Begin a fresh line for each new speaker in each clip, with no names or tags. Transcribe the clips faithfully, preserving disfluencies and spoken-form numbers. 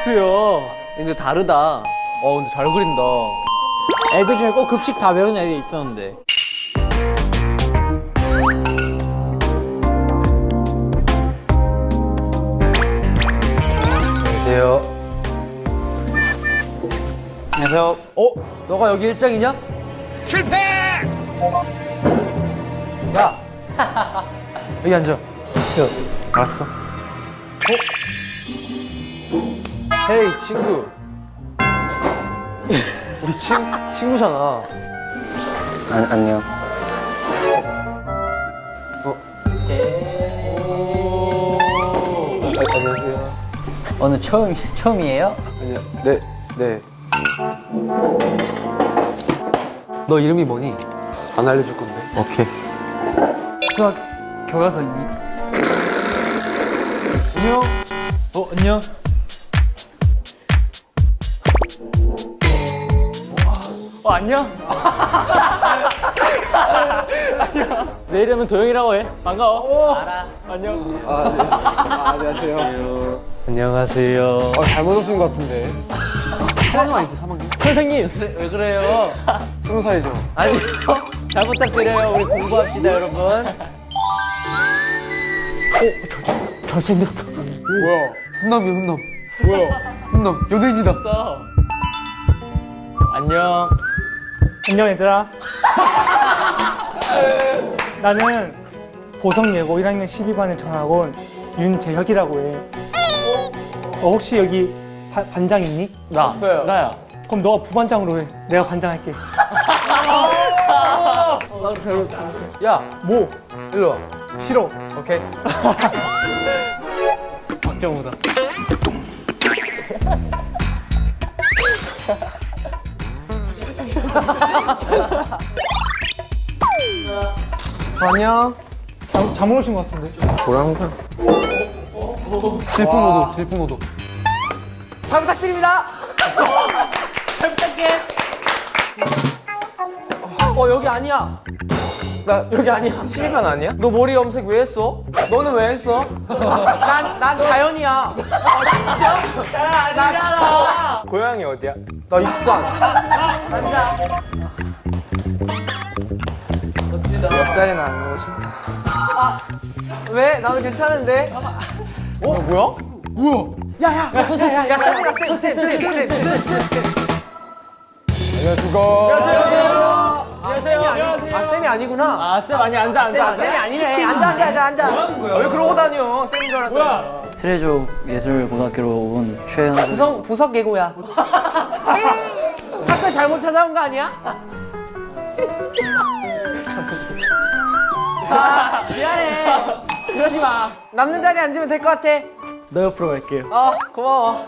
큐야. 근데 다르다. 어 근데 잘 그린다.
애들 중에 꼭 급식 다 배우는 애들이 있었는데.
안녕하세요. 안녕하세요. 어? 너가 여기 일장이냐? 실패! 야! 여기 앉아. 쉬어. 알았어. 어? 헤이 친구. 우리 친, 친구잖아. 안, 안녕. 어? 아, 안녕하세요.
오늘 처음, 처음이에요?
아니요. 네, 네. 너 이름이 뭐니? 안 알려줄 건데. 오케이.
수학 교과서입니?
안녕.
어, 안녕. 어, 안녕. 안녕. 내 이름은 도영이라고 해. 반가워.
알아.
안녕.
아, 네. 아, 안녕하세요.
안녕하세요.
아, 잘못 오신 것 같은데. 삼 학년 아니세요, 삼 학년?
선생님.
왜 그래요?
스무 살이죠?
아니요. 잘 부탁드려요. 우리 공부합시다, 여러분.
잘생겼다.
뭐야? 훈남이야, 훈남. 뭐야? 훈남. 연예인이다.
안녕. 안녕 얘들아. 나는 보성예고 일 학년 십이 반에 전학 온 윤재혁이라고 해. 어, 혹시 여기 바, 반장 있니?
나. 없어요.
나야. 그럼 너가 부반장으로 해. 내가 반장할게.
야,
뭐?
일로 와.
싫어.
오케이.
박정우다.
안녕.
잘, 잘못 오신 것 같은데.
뭐라 항상. 질풍노도, 질풍노도.
잘 부탁드립니다. 잘 부탁해. 어, 여기 아니야.
나 여기 아니야. 십이 반 아니야? 너 머리 염색 왜 했어? 너는 왜 했어?
난, 난 자연이야. 아, 진짜? 잘 아니잖아.
고향이 어디야? 나 익산.
앉아.
옆자리는 안 가고 싶다.
왜? 나도 괜찮은데?
어, 뭐야? 뭐야?
야, 선생님, 야, 쌤, 야, 쌤, 쌤, 쌤, 쌤, 쌤, 쌤.
안녕하십니까.
안녕하세요. 안녕하세요. 아, 쌤이 아니구나.
아, 쌤 아니 앉아 앉아.
쌤, 쌤이 아니네. 앉아, 앉아, 앉아, 앉아.
왜 그러고 다녀? 쌤인 줄 알았잖아.
트레조 예술고등학교로 온 최현수.
보석, 보석 예고야. 학교 잘못 찾아온 거 아니야? 아, 미안해. 그러지 마. 남는 자리에 앉으면 될 것 같아.
너 옆으로 갈게요.
어, 고마워.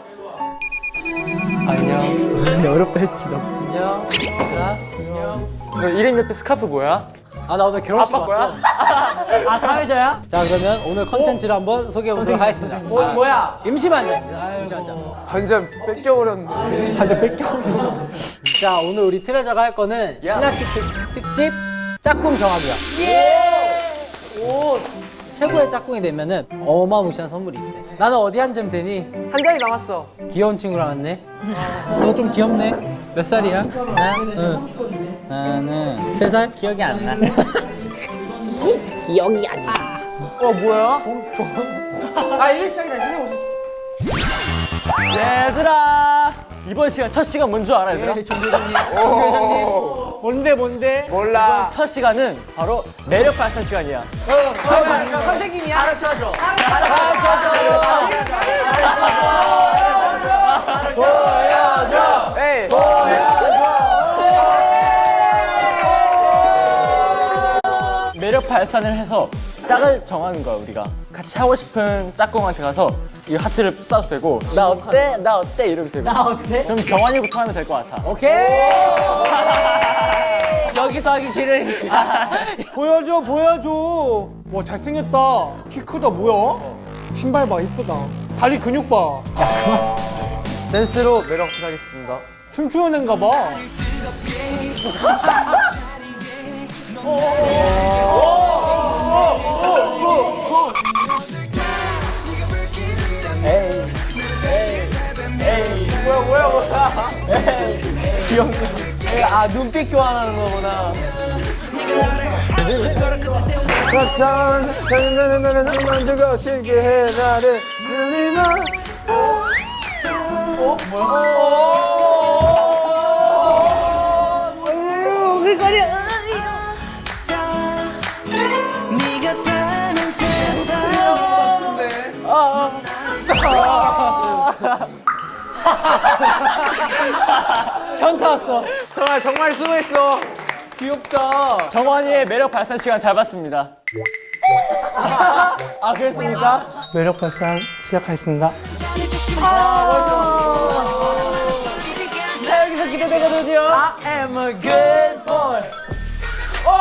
안녕. 근데 어렵다 했지 나.
안녕. 얘들아. 안녕.
너 이름 옆에 스카프 뭐야?
아, 나 오늘 결혼식
아빠 거야?
왔어.
아, 사회자야?
자, 그러면 오늘 컨텐츠를 한번 소개해보도록 하겠습니다. 뭐, 뭐야? 임시반장. 임시반장.
반장 뺏겨버렸네.
반장 뺏겨.
자, 오늘 우리 트레저가 할 거는 신학기 특, 특집 짝꿍 정하기야. 오, 최고의 짝꿍이 되면은 어마무시한 선물이 있대. 나는 어디 앉으면 되니?
한 자리 남았어.
귀여운 친구랑 왔네. 너 좀 귀엽네. 몇 살이야?
나?
응.
나는
세 살?
기억이 안 나.
기억이 안 나.
어, 뭐야?
아, 이제 시작이다. 선생님 오셨.
얘들아. 이번 시간 첫 시간 뭔 줄 알아, 얘들아?
네, 종교장님.
뭔데 뭔데?
몰라.
첫 시간은 바로 매력 발산 시간이야.
선생님이야? 가르쳐줘.
보여줘. 에이.
매력 발산을 해서 짝을 정하는 거야, 우리가. 같이 하고 싶은 짝꿍한테 가서 이 하트를 쏴도 되고, 나 어때? 나 어때? 이러면 되고.
나 어때?
그럼 정환이부터 하면 될 것 같아.
오케이. 여기서 하기 싫으니까.
보여줘, 보여줘. 와, 잘생겼다. 키 크다, 뭐야? 신발 봐, 이쁘다. 다리 근육 봐.
댄스로 매력 어필하겠습니다.
춤추는 애인가 봐. 에이, 에이, 에이,
아 눈빛 교환하는 거구나. 만두고 쉽게 해 나를 늘리면. 어?
네가 사는 세상
현타 왔어.
정말 정말 수고했어. 귀엽다.
정원이의 매력 발산 시간 잘 봤습니다.
아 그랬습니까?
매력 발산 시작하겠습니다.
나 여기서 기대되거든요. I am a good boy. 오!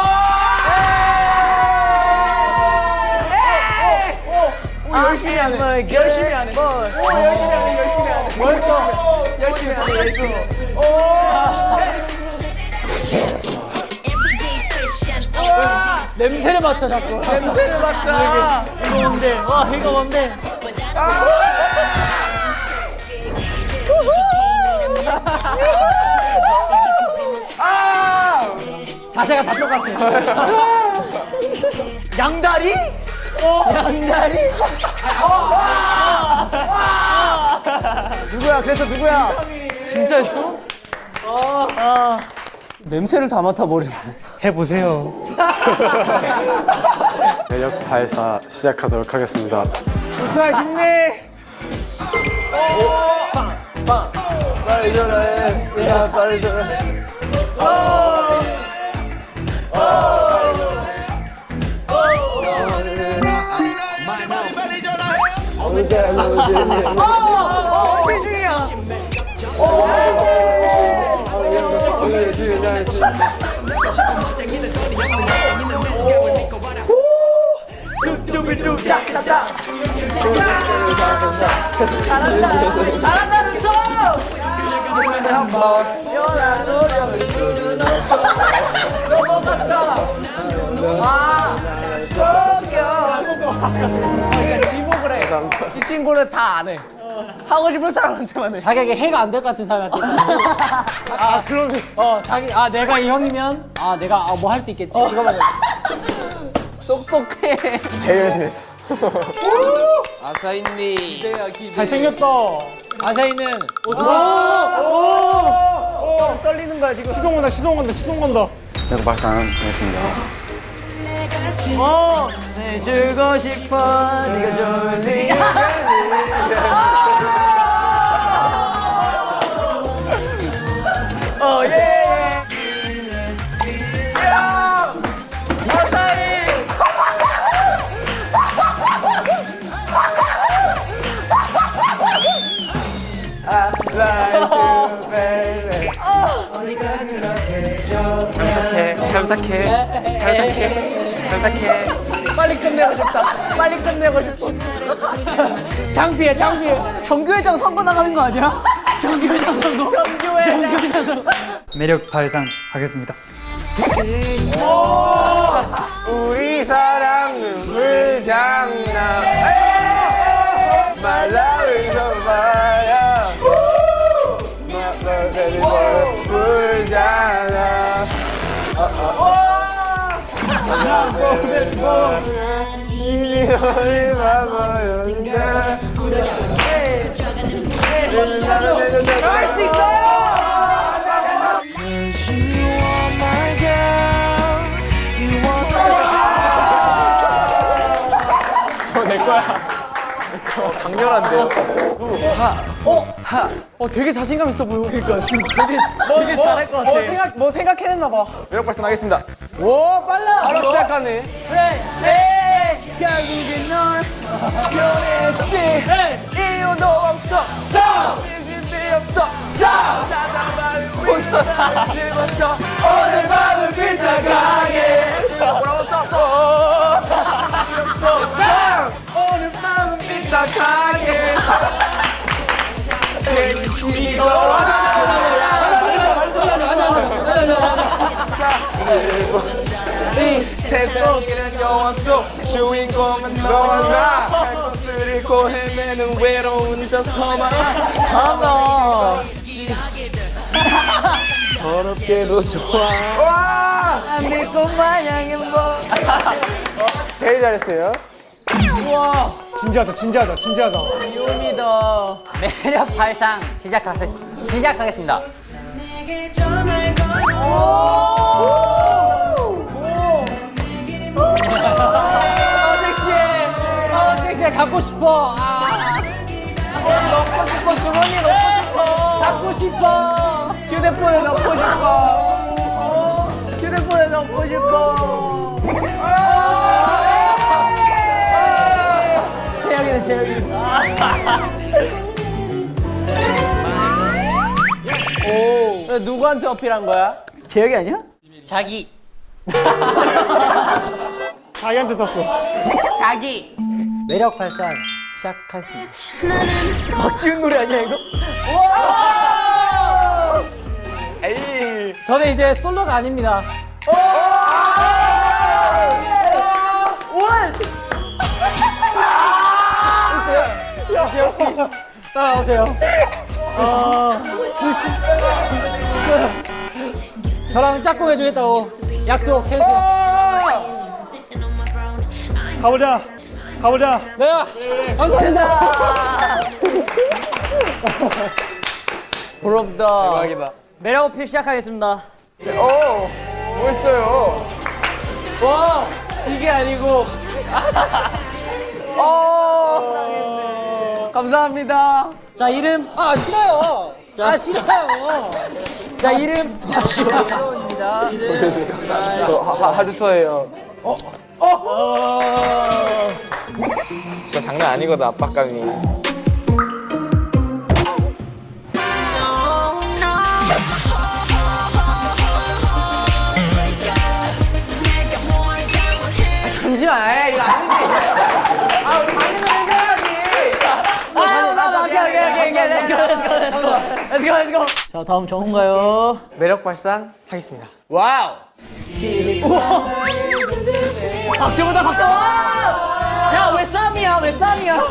오, 열심히 하네. 열심히 하네. 오, 열심히 하네. 열심히 하네. 멋있어. 열심히 하네. 열심히.
냄새를 맡아 자꾸.
냄새를 맡아.
이거 뭔데? 와 이거 뭔데?
자세가 다 똑같아.
양다리? 양다리? 누구야? 그래서 누구야? 진짜 했어? 냄새를 다 맡아버렸네.
해보세요.
매력 발사 시작하도록 하겠습니다.
좋다, 힘내! 빨리 전화해. 야, 빨리 전화해. 그러니까 지목을 해. 이 친구는 다 안 해. 하고 싶은 사람한테만 해.
자기에게 해가 안 될 것 같은 사람한테. 아 그러네. 어 자기 아 내가 이 형이면 아 내가 아, 뭐 할 수 있겠지. 이거만 해.
똑똑해.
제일 열심히 했어.
아사인니. 기대야 기대.
잘생겼다.
아사히는
떨리는 거야 지금.
시동 간다 시동 간다 시동 간다.
매력 발산하겠습니다.
어 내주고 싶어 네가 좋은
어 예. 야! 아사히. I like you, baby. 잘 부탁해, 잘 부탁해, 잘 부탁해, 잘 부탁해. 빨리 끝내고 싶다. 빨리 끝내고 싶어.
장비에 장비에 정규회장 선거 나가는 거 아니야? 정규회장 선거.
정규회장 선거.
매력 발산 하겠습니다.
우리 사랑 눈물 장난. 말라위서 봐야. 눈물 장난. 이미 너를 봐버렸는데. 할수 있어요!
저 내 거야.
강렬한데요? 하. 어? 하. 어, 되게 자신감 있어 보여. 그러니까 지금 되게 되게 뭐, 잘할 것 같아. 뭐 생각 뭐 생각해냈나 봐. 매력 발산하겠습니다. 오, 빨라. 바로 시작하네. 그래. 결국엔 널 변했지. 이유도 없어. 진심이 없어. 혼자 집어쳐. 오늘 밤을 빛나가게. 뭐라고 썼어? 오늘 밤은 빛나가게. 이 세상에는 영화 속 주인공은 너와 나. 할 것을 잃고 헤매는 외로운 저 서만. 더럽게도 좋아.
믿고 마냥 행복.
제일 잘했어요.
진지하다, 진지하다, 진지하다.
요미다.
매력 발상 시작하겠, 시작하겠습니다.
내게 전화를 걸어
아 섹시해. 아 섹시해. 갖고 싶어. 아.
넣고 싶어, 주머니 넣고 싶어.
갖고 싶어.
휴대폰에 넣고 싶어. 휴대폰에 넣고 싶어.
최악이네 최악이네.
오. 누구한테 어필한 거야?
재혁이 아니야?
자기.
자기한테 썼어.
자기.
매력 발산 시작하겠습니다.
박지훈 노래 아니야 이거?
에이.
저는 이제 솔로가 아닙니다. 따라오세요. 어, 저랑 짝꿍 해주겠다고 약속해주세요.
가보자. 가보자.
네, 감사합니다.
부럽다. 대박이다.
매력 어필 시작하겠습니다.
오. 멋있어요. 와. 이게 아니고. 어. 감사합니다.
자 이름 아 싫어요. 아 싫어요. 자 이름
시원입니다. 저 하- 하루토예요. 어? 어? 진짜 장난 아니거든, 압박감이. 아, 잠시만, 에이, 이거 아니지. 아, 우리 방금 해줘야지.
아 오케이 오케이 오케이 오케이 렛츠고 렛츠고 렛츠고 렛츠고 렛츠고. 자 다음 정훈가요.
매력 발산 하겠습니다. 와우.
박정우다 박정우. 야왜 쌈이야 왜 쌈이야.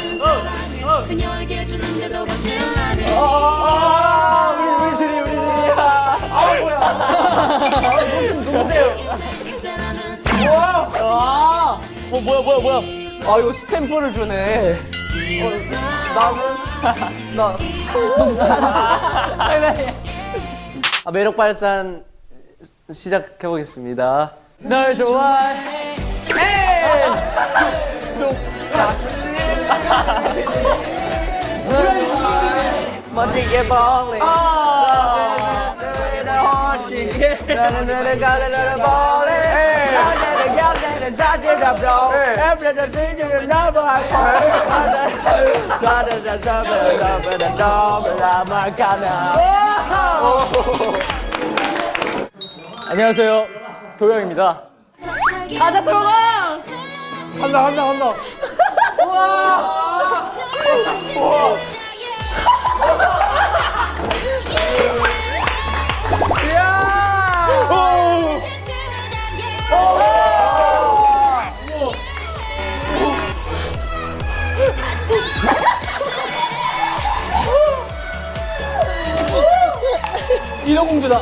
그녀에게 주는데도 받질 않은
아, 우리 우리 둘이 우리 둘이야. 아, 뭐야? 아, 무슨 누구세요?
있잖아는 사람
와.
아, 어 뭐야 뭐야 뭐야.
아, 이거 스탬프를 주네. 어, 나는 나. 아, 매력 발산 시작해 보겠습니다.
널 좋아해.
멋지게 벌리. 나는 너를 가르르 벌리. 나는 너를 자지가 blow. Everything you never have fun. 나는 너를 잡으러 잡으러 나만 가나.
안녕하세요. 도영입니다.
가자 들어가.
한다, 한다, 한다.
인어공주다.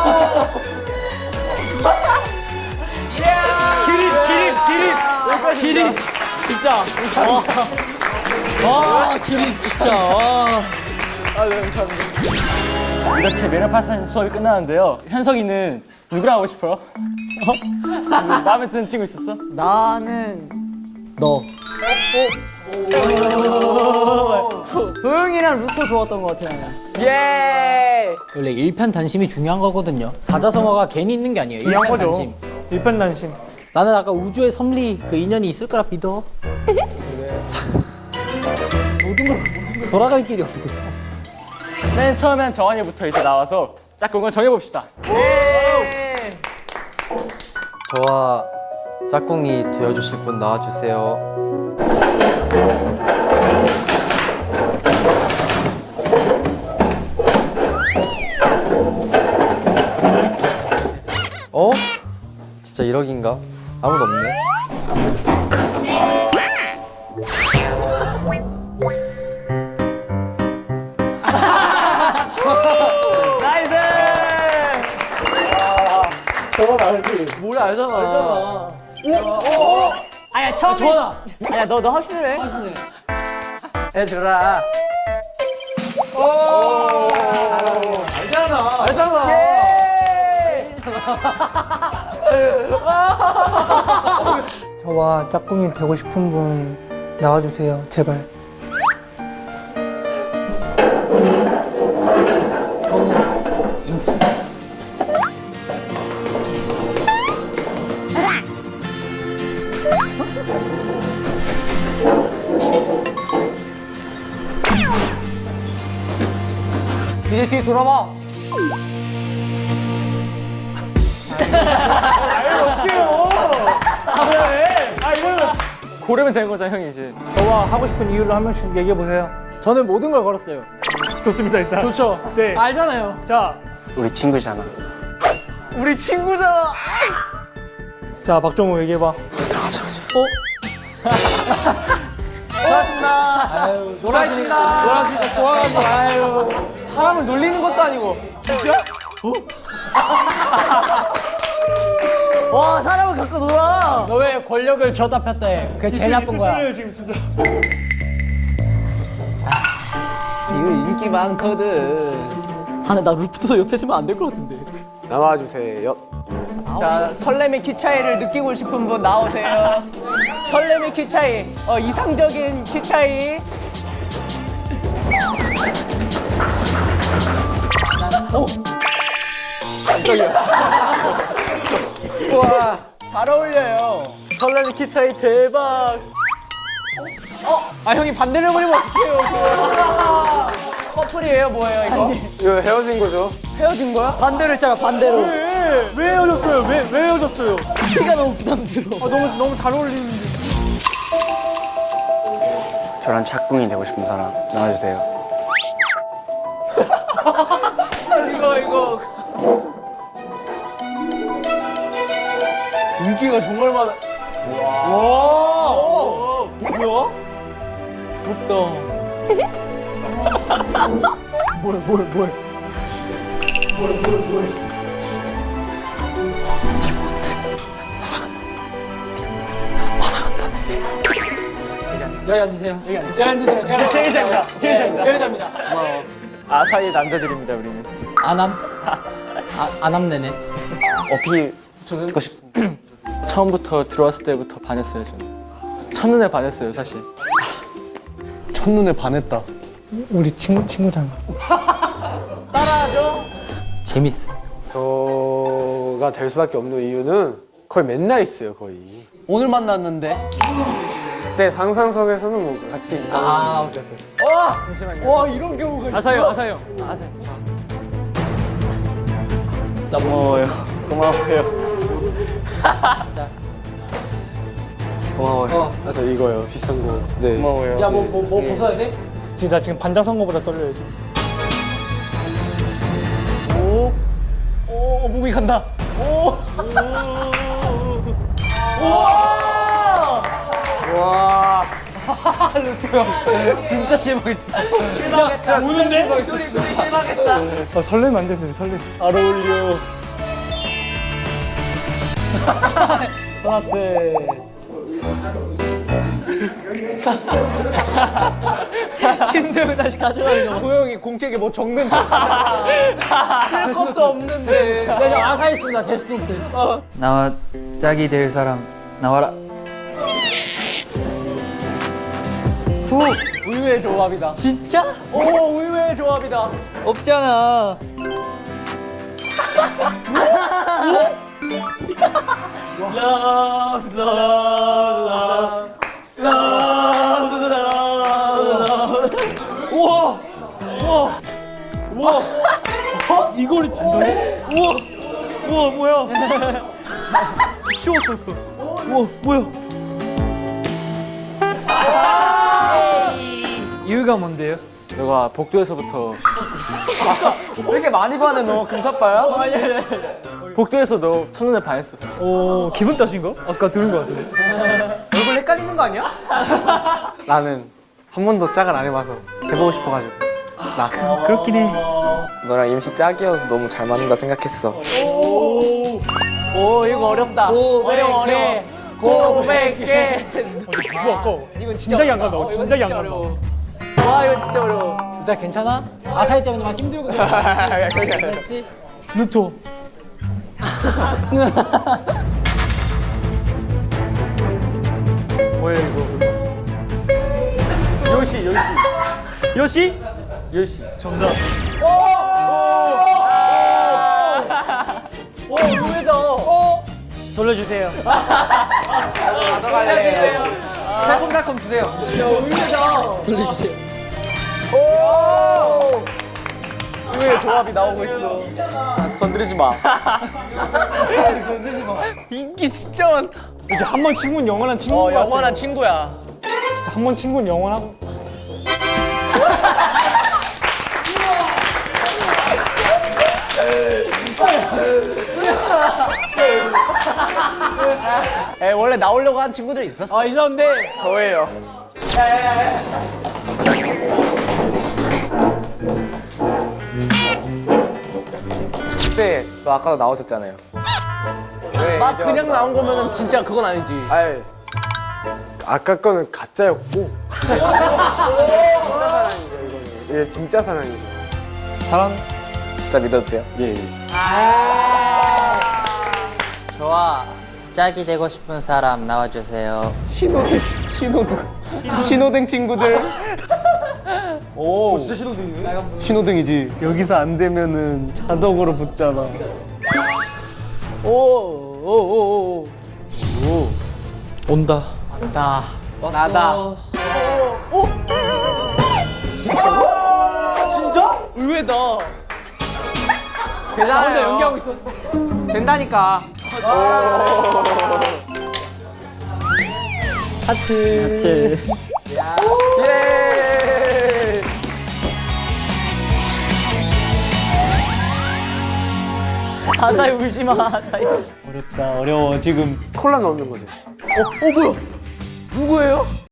기립 기립 기립 기립 진짜.
와 기립 진짜. 와.
이렇게 매력 발산 수업이 끝나는데요. 현석이는 누구랑 하고 싶어요? 어? 마음에 드는 친구 있었어?
나는 너. 도영이랑 루토 좋았던 것 같아 나는.
예.
원래 일편단심이 중요한 거거든요. 사자성어가 괜히 있는 게 아니에요.
중요한 거죠.
일편단심.
일편단심.
나는 아까 우주의 섭리 그 인연이 있을 거라 믿어. 모든 걸 돌아갈 길이 없어.
맨 처음엔 정한이부터 이제 나와서 짝꿍을 정해봅시다.
저와 짝꿍이 되어주실 분 나와주세요. 어? 진짜 일억인가? 아무도 없네.
나이스!
노래 알잖아.
아야 처음에.
좋아.
아야 너 너 하시는 해.
해주라.
저와 짝꿍이 되고 싶은 분 나와주세요. 제발.
이제 뒤에 돌아봐.
아 이거는
고르면 되는 거잖아 형이 이제.
저와 하고 싶은 이유를 한 명씩 얘기해 보세요.
저는 모든 걸 걸었어요.
좋습니다 일단.
좋죠.
네.
알잖아요.
자,
우리 친구잖아.
우리 친구잖아.
자 박정우 얘기해 봐.
고맙습니다.
아유,
놀아주니까. 놀아주니까 좋아가지고. 아유. 사람을 놀리는 것도 아니고.
와 사람을 갖고 놀아.
너 왜 권력을 줬다 폈다 해? 그게 제일 나쁜 거야.
떨려요 지금 진짜.
이거 인기 많거든.
아나 나 루프도 옆에 있으면 안 될 것 같은데.
나와주세요.
자, 설렘의 키 차이를 느끼고 싶은 분 나오세요. 설렘의 키 차이. 어, 이상적인 키 차이. 오! 깜짝이야. 우와, 잘 어울려요.
설레는 키 차이 대박.
아, 형이 반대를 해버리면 어떡해요. 커플이에요, 뭐예요, 이거?
이거 헤어진 거죠?
헤어진 거야?
반대로 했잖아 반대로.
왜? 왜 헤어졌어요? 왜? 왜 헤어졌어요?
키가 너무 부담스러워.
아 너무 너무 잘 어울리는데.
저랑 짝꿍이 되고 싶은 사람 나와주세요.
이거, 이거. 인기가 정말 많아. 와! 뭐야? 부럽다. 뭘, 뭘, 뭘.
여기 앉으세요. 여기 앉으세요. 여기 앉으세요. 제가
제일 잘입니다. 제일 잘입니다.
제일 잘입니다.
아사히 남자들입니다 우리는.
안함. 아, 안함내네.
어필 듣고 싶습니다.
처음부터 들어왔을 때부터 반했어요 저는. 첫눈에 반했어요 사실.
첫눈에 반했다.
우리 친구 친구잖아.
따라하죠?
재밌어.
저가 될 수밖에 없는 이유는 거의 맨날 있어요, 거의.
오늘 만났는데.
제 상상 속에서는 뭐 같이 있다.
아, 오케이, 오케이.
와! 잠시만요. 와, 이런 경우가 있어.
아사히 아사히 형. 아사히.
나 뭐.
고마워요. 고마워요.
고마워요.
어.
아, 저 이거요, 비싼 거. 네.
고마워요.
야, 뭐, 뭐, 뭐 벗어야 돼?
지금 나 지금 반장 선거보다 떨려요 지금.
오. 오, 몸이 간다. 오. 와. 루트 형. 진짜 실망했어. 실망했다.
우는데?
둘이, 둘이 실망했다.
아 설레면 안 되는데 설레.
잘 어울려.
선아트.
힘들고 다시 가져가는 거.
도영이 공책에 뭐 적는 척. 쓸 것도 없는데.
야, 저 아사 있습니다. 데스노트.
나와 짝이 될 사람 나와라.
후. 의외의 조합이다.
진짜?
오, 의외의 조합이다.
없잖아.
이거를 진짜로? 우와. 우와 뭐야? 치웠었어. 우와 뭐야?
이유가 뭔데요?
너가 복도에서부터
왜 이렇게 많이 반해, 너? 금사빠야?
복도에서 너 첫눈에 반했어. 사실.
오 기분 탓인가? 아까 들은 거 같은데.
얼굴 헷갈리는 거 아니야?
나는 한 번도 짝을 안 해봐서 해보고 싶어가지고 나왔어.
그렇긴 해.
너랑 임시 짝이어서 너무 잘 맞는다 생각했어.
오 이거 어렵다. 어려워 어려워. 고백해.
이건 진작에 안 간다. 진작에 안 간다.
와 이거 진짜 어려워.
일단 괜찮아? 아사히 때문에 막 힘들고 그렇지?
루토. 뭐야 이거? 요시 요시. 요시? 요시. 정답.
오 의외다.
돌려주세요.
가져갈래.
달콤달콤 주세요.
의외다.
돌려주세요.
오. 의외의 조합이 나오고 있어.
건드리지 마.
인기 진짜 많다.
이제 한 번 친구는 영원한 친구.
어 영원한 친구야.
한 번 친구는 영원하고.
에 원래 나오려고 한 친구들 있었어.
아 있었는데
저예요.
그때 너 아까도 나오셨잖아요. 왜
막
이제
그냥
와서-
나온 거면은 진짜 그건 아니지.
아이, 아까 거는 가짜였고. 진짜 사랑이죠 이거는. 이게 진짜 사랑이죠.
사랑.
진짜 믿어도 돼요? 예. 예.
저와 짝이 되고 싶은 사람 나와주세요.
신호등 신호등 신호등 친구들. 오 진짜 신호등이네. 신호등이지.
여기서 안 되면은 자동으로 붙잖아.
오오오오
온다.
나 나다. 오 진짜? 의외다.
나 혼자 연기하고 있어.
된다니까.
하트.
예.
아사히 울지 마. 아사히. 어렵다. 어려워 지금.
콜라 넣는 거지.
어 뭐야? 누구예요?